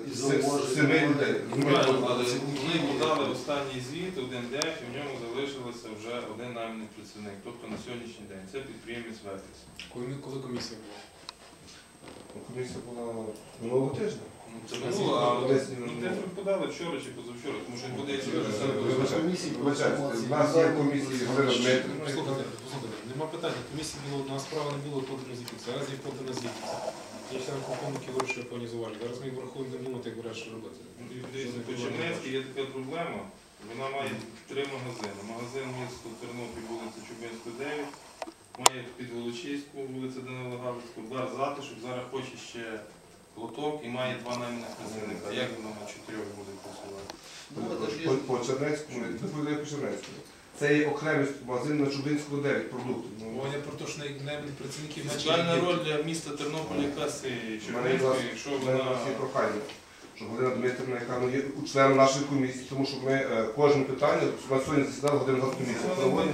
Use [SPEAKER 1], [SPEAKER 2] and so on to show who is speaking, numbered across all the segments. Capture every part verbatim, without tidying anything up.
[SPEAKER 1] семи людей.
[SPEAKER 2] Але ми подали останній звіт, один день, і в ньому залишилося вже один найманий працівник. Тобто на сьогоднішній день це підприємець Ветріс.
[SPEAKER 3] Коли комісія була?
[SPEAKER 1] Комісія була минулого тижня.
[SPEAKER 2] Ну, це минуло, а ми подали вчора чи позавчора, тому що подається вже
[SPEAKER 1] Вибачайте, в нас є комісії Галина Дмитрівна.
[SPEAKER 3] Слухайте, послухайте, нема питання. Комісії було, у нас справа не було подано звідти. Зараз є подано звідти. Є ще рахунки гроші пані Зувалі. Зараз ми їх врахуємо, не думати, як вирішити робити.
[SPEAKER 2] Дивіться, по Чернецькій є така проблема. Вона має три магазини. Магазин місто Тернопіль, вулиця Чубинська, дев'ять. Має під Волочиську, вулиця Данила Галицького, бар Затишок. Зараз хоче ще лоток і має два найманих працівника. Як воно на чотирьох буде працювати?
[SPEAKER 1] По Чернецькому, відповідає по Чернецькому. Це є окремий магазин на Чубинську, дев'ять продуктів.
[SPEAKER 3] Говорять про те, що найманих працівників менше.
[SPEAKER 2] Соціальна роль для міста Тернополя якась і Чернецької, якщо вона...
[SPEAKER 1] Всі прохання, щоб Галина Дмитрівна, яка є членом нашої комісії, тому що ми кожне питання, на сьогодні засідали годину за комісію.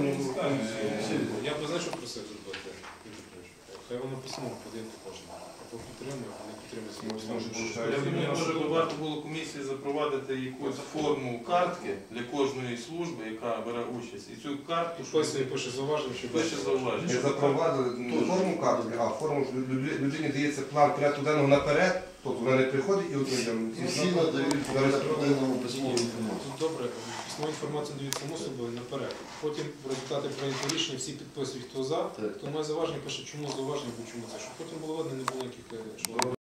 [SPEAKER 3] Я б знаю, що просив зробити. Хай воно письмо подивити кожен. Хто підтримує, а не підтримує.
[SPEAKER 2] Я думаю, може варто було комісії запровадити якусь форму картки для кожної служби, яка бере участь. І цю картку
[SPEAKER 3] Пише, пише зауваження, що
[SPEAKER 2] пише зауваження.
[SPEAKER 1] Ми запровадили не форму картки, а форму, що людині дається план порядку денного наперед, тобто вона не приходить і отримує.
[SPEAKER 4] Всі надають по порядку денному письмову інформацію.
[SPEAKER 3] Добре, письмову інформацію дають само собою наперед. Потім в результаті прийнято рішення, всі підписують, хто за, хто має зауваження, пише, чому зауваження, бо чому це. Щоб потім було видно, не було яких...